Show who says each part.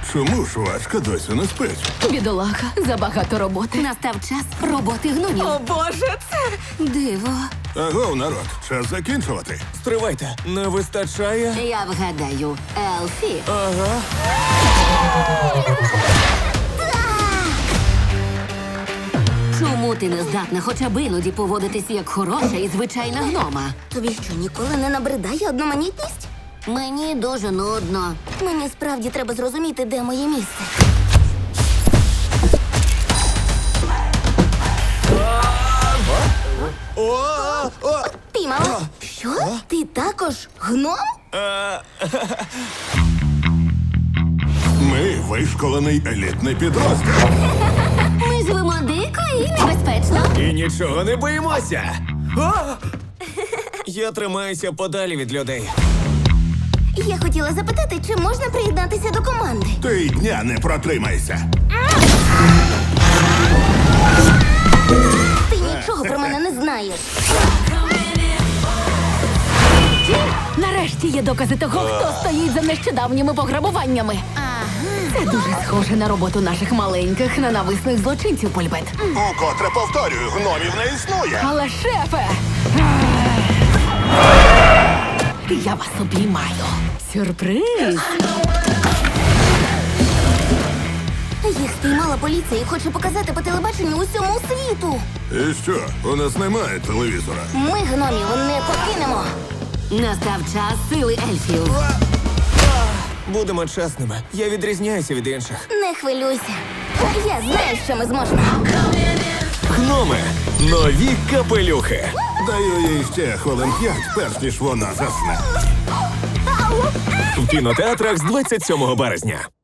Speaker 1: Чому жвачка досі не спить?
Speaker 2: Бідолаха, забагато роботи.
Speaker 3: Настав час роботи гномів.
Speaker 2: О, Боже, це...
Speaker 3: Диво.
Speaker 1: Агов, народ, час закінчувати.
Speaker 4: Стривайте, не вистачає.
Speaker 3: Я вгадаю, Елфі.
Speaker 4: Ага.
Speaker 3: Чому ти не здатна хоча б іноді поводитись як хороша і звичайна гнома?
Speaker 5: Тобі що, ніколи не набридає одноманітність?
Speaker 3: Мені дуже нудно.
Speaker 5: Мені справді треба зрозуміти, де моє місце. Піймала? Що? Ти також гном?
Speaker 1: Ми вишколений елітний підрозділ.
Speaker 3: Ми живемо дико і небезпечно.
Speaker 4: І нічого не боїмося. А! Я тримаюся подалі від людей.
Speaker 5: Я хотіла запитати, чи можна приєднатися до команди?
Speaker 1: Ти й дня не протримайся.
Speaker 5: Ти нічого про мене не знаєш.
Speaker 2: Нарешті є докази того, хто стоїть за нещодавніми пограбуваннями. Це дуже схоже на роботу наших маленьких ненависних злочинців, Польбет.
Speaker 1: Укотре повторюю, гномів не існує.
Speaker 2: Але, шефе! Я вас обіймаю. Сюрприз!
Speaker 5: Їх спіймала поліція і хоче показати по телебаченню усьому світу.
Speaker 1: І що, у нас немає телевізора?
Speaker 5: Ми гномів не покинемо.
Speaker 3: Настав час сили ельфів.
Speaker 4: Будемо чесними. Я відрізняюся від інших.
Speaker 5: Не хвилюйся. Я знаю, що ми зможемо.
Speaker 4: Гноми. Нові капелюхи.
Speaker 1: Даю їй ще хвилин 5, перш ніж вона засне.
Speaker 4: В кінотеатрах з 27 березня.